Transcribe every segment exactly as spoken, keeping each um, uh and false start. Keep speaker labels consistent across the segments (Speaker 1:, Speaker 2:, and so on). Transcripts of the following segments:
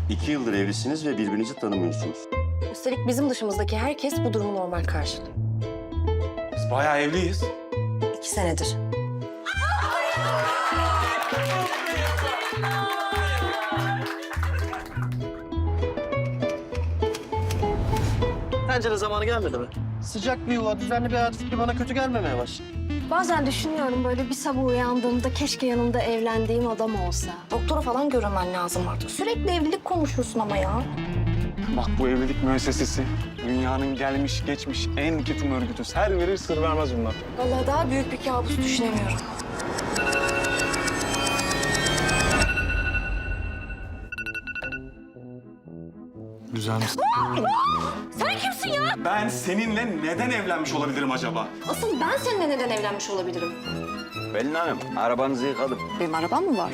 Speaker 1: İki yıldır evlisiniz ve birbirinizi tanımıyorsunuz.
Speaker 2: Üstelik bizim dışımızdaki herkes bu durumu normal karşılıyor.
Speaker 3: Biz bayağı evliyiz.
Speaker 2: İki senedir.
Speaker 4: Bence de zamanı gelmedi mi? Sıcak bir yuva, düzenli bir hayat fikri bana kötü gelmemeye başladı.
Speaker 5: Bazen düşünüyorum böyle bir sabah uyandığımda keşke yanımda evlendiğim adam olsa.
Speaker 2: Doktora falan görünmen lazım artık. Sürekli evlilik konuşuyorsun ama ya.
Speaker 3: Bak bu evlilik müessesesi dünyanın gelmiş geçmiş en ketum örgütü. Her verir sır vermez bunlar.
Speaker 2: Vallahi daha büyük bir kabus düşünemiyorum.
Speaker 3: Güzel misin?
Speaker 2: Sen kimsin ya?
Speaker 3: Ben seninle neden evlenmiş olabilirim acaba?
Speaker 2: Asıl ben seninle neden evlenmiş olabilirim?
Speaker 1: Pelin Hanım, arabanızı yıkadım.
Speaker 2: Benim arabam mı var?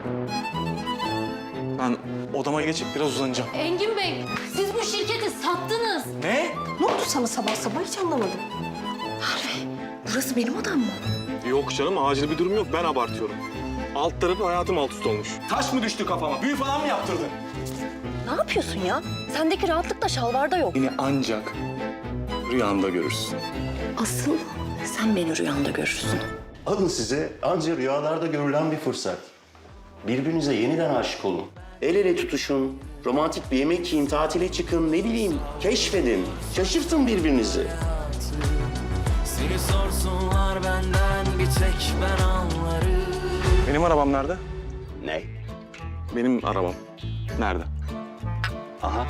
Speaker 3: Ben odama geçip biraz uzanacağım.
Speaker 5: Engin Bey, siz bu şirketi sattınız.
Speaker 3: Ne?
Speaker 2: Ne oldu sana sabah sabah hiç anlamadım. Harvey, burası benim odam mı?
Speaker 3: Yok canım acil bir durum yok. Ben abartıyorum. Alt tarafı hayatım alt üst olmuş. Taş mı düştü kafama? Büyü falan mı yaptırdın?
Speaker 2: Ne yapıyorsun ya? Sendeki rahatlık da şalvarda yok.
Speaker 3: Beni ancak rüyanda görürsün.
Speaker 2: Asıl sen beni rüyanda görürsün.
Speaker 1: Alın size anca rüyalarda görülen bir fırsat. Birbirinize yeniden aşık olun. El ele tutuşun, romantik bir yemek yiyin, tatile çıkın, ne bileyim, keşfedin. Şaşırtın birbirinizi.
Speaker 6: Seni sorsunlar benden bir tek ben anlarım.
Speaker 3: Benim arabam nerede?
Speaker 1: Ne?
Speaker 3: Benim arabam. Nerede?
Speaker 1: Aha,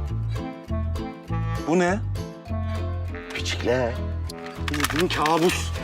Speaker 3: Bu ne?
Speaker 1: küçükler.
Speaker 3: Bildiğin kabus.